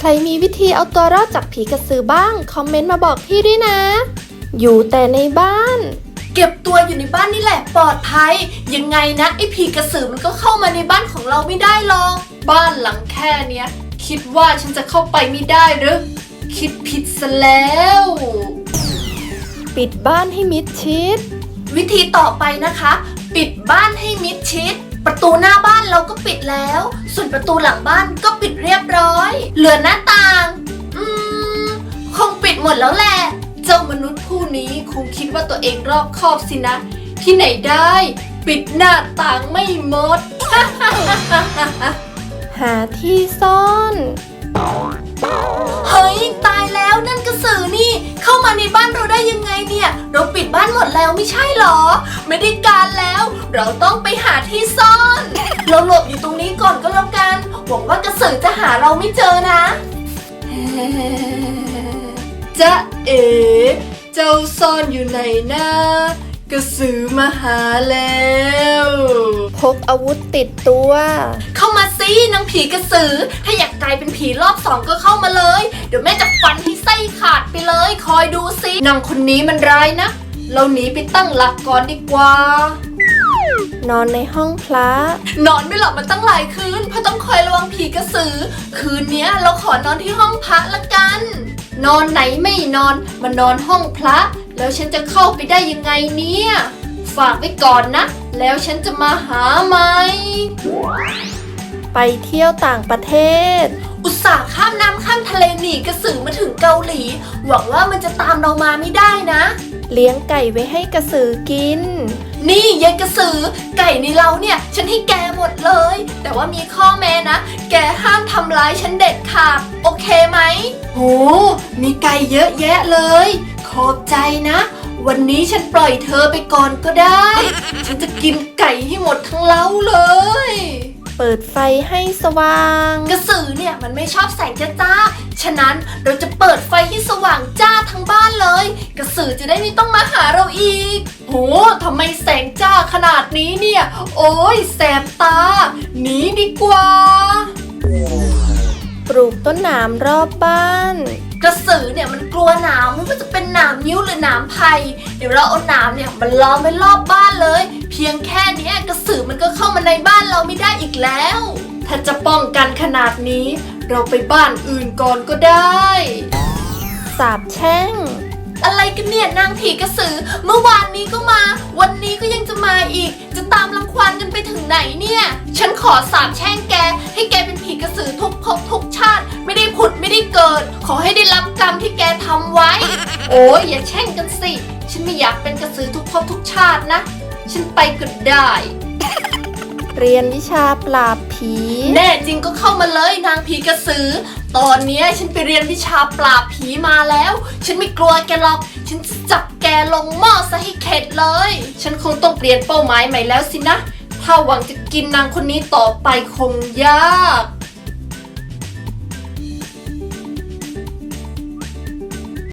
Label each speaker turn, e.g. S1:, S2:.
S1: รมีวิธีเอาตัวรอดจากผีกระสือบ้างคอมเมนต์มาบอกพี่ด้วยนะ อยู่แต่ในบ้าน
S2: เก็บตัวอยู่ในบ้านนี่แหละปลอดภัยยังไงนะไอ้ผีกระสือมันก็เข้ามาในบ้านของเราไม่ได้หรอกบ้านหลังแค่เนี้ยคิดว่าฉันจะเข้าไปไม่ได้หรือคิดผิดซะแล้ว
S1: ปิดบ้านให้มิดชิด
S2: วิธีต่อไปนะคะปิดบ้านให้มิดชิดประตูหน้าบ้านเราก็ปิดแล้วส่วนประตูหลังบ้านก็ปิดเรียบร้อยเหลือหน้าต่างคงปิดหมดแล้วแหละเจ้ามนุษย์ผู้นี้คงคิดว่าตัวเองรอบคอบสินะที่ไหนได้ปิดหน้าต่างไม่หมด
S1: หาที่ซ่อน
S2: เฮ้ยตายแล้วนั่นกระสือนี่เข้ามาในบ้านเราได้ยังไงเนี่ยเราปิดบ้านหมดแล้วไม่ใช่หรอไม่ได้การแล้วเราต้องไปหาที่ซ่อนเราหลบอยู่ตรงนี้ก่อนก็แล้วกันหวังว่ากระสือจะหาเราไม่เจอนะจ๊ะเอ๋เจ้าซ่อนอยู่ไหนนะกระสือมาหาแล้ว
S1: พกอาวุธติดตัว
S2: เข้ามาสินางผีกระสือถ้าอยากกลายเป็นผีรอบ2ก็เข้ามาเลยเดี๋ยวแม่จะฟันให้ไส้ขาดไปเลยคอยดูสินางคนนี้มันร้ายนะเราหนีไปตั้งหลักก่อนดีกว่าน
S1: อนในห้องพระ
S2: นอนไม่หลับมาตั้งหลายคืนเพราะต้องคอยระวังผีกระสือคืนนี้เราขอนอนที่ห้องพระละกันนอนไหนไม่นอนมานอนห้องพระแล้วฉันจะเข้าไปได้ยังไงเนี่ยฝากไว้ก่อนนะแล้วฉันจะมาหาไหม
S1: ไปเที่ยวต่างประเทศ
S2: อุตส่าห์ข้ามน้ำข้ามทะเลหนีกระสือมาถึงเกาหลีหวังว่ามันจะตามเรามาไม่ได้นะ
S1: เลี้ยงไก่ไว้ให้กระสือกิน
S2: นี่ยายกระสือไก่ในเราเนี่ยฉันให้แกหมดเลยแต่ว่ามีข้อแม้นะแกห้ามทำร้ายฉันเด็ดขาดโอเคไหมโหมีไก่เยอะแยะเลยขอบใจนะวันนี้ฉันปล่อยเธอไปก่อนก็ได้ฉันจะกินไก่ให้หมดทั้งเล้าเลย
S1: เปิดไฟให้สว่าง
S2: กระสือเนี่ยมันไม่ชอบแสงจ้าฉะนั้นเราจะเปิดไฟให้สว่างจ้าทั้งบ้านเลยกระสือจะได้ไม่ต้องมาหาเราอีกโหทำไมแสงจ้าขนาดนี้เนี่ยโอ้ยแสบตาหนีดีกว่า
S1: ปลูกต้นหนามรอบบ้าน
S2: กระสือเนี่ยมันกลัวหนามไม่ว่าจะเป็นหนามนิ้วหรือหนามไผ่เดี๋ยวเราเอาหนามเนี่ยมันล้อมไว้รอบบ้านเลยเพียงแค่นี้กระสือมันก็เข้ามาในบ้านเราไม่ได้อีกแล้วถ้าจะป้องกันขนาดนี้เราไปบ้านอื่นก่อนก็ได้
S1: สาบแช่ง
S2: อะไรกันเนี่ยนางผีกระสือเมื่อวานนี้ก็มาวันนี้ก็ยังจะมาอีกจะตามรังควานกันไปถึงไหนเนี่ยฉันขอสาปแช่งแกให้แกเป็นผีกระสือทุกภพทุกชาติไม่ได้ผุดไม่ได้เกิดขอให้ได้รับกรรมที่แกทำไว้โอ้ยอย่าแช่งกันสิฉันไม่อยากเป็นกระสือทุกภพทุกชาตินะฉันไปก็ได้
S1: เรียนวิชาปราบผี
S2: แน่จริงก็เข้ามาเลยนางผีกระสือตอนนี้ฉันไปเรียนวิชาปราบผีมาแล้วฉันไม่กลัวแกหรอกฉันจับแกลงหม้อซะให้เข็ดเลยฉันคงต้องเปลี่ยนเป้าหมายใหม่แล้วสินะถ้าหวังจะกินนางคนนี้ต่อไปคงยาก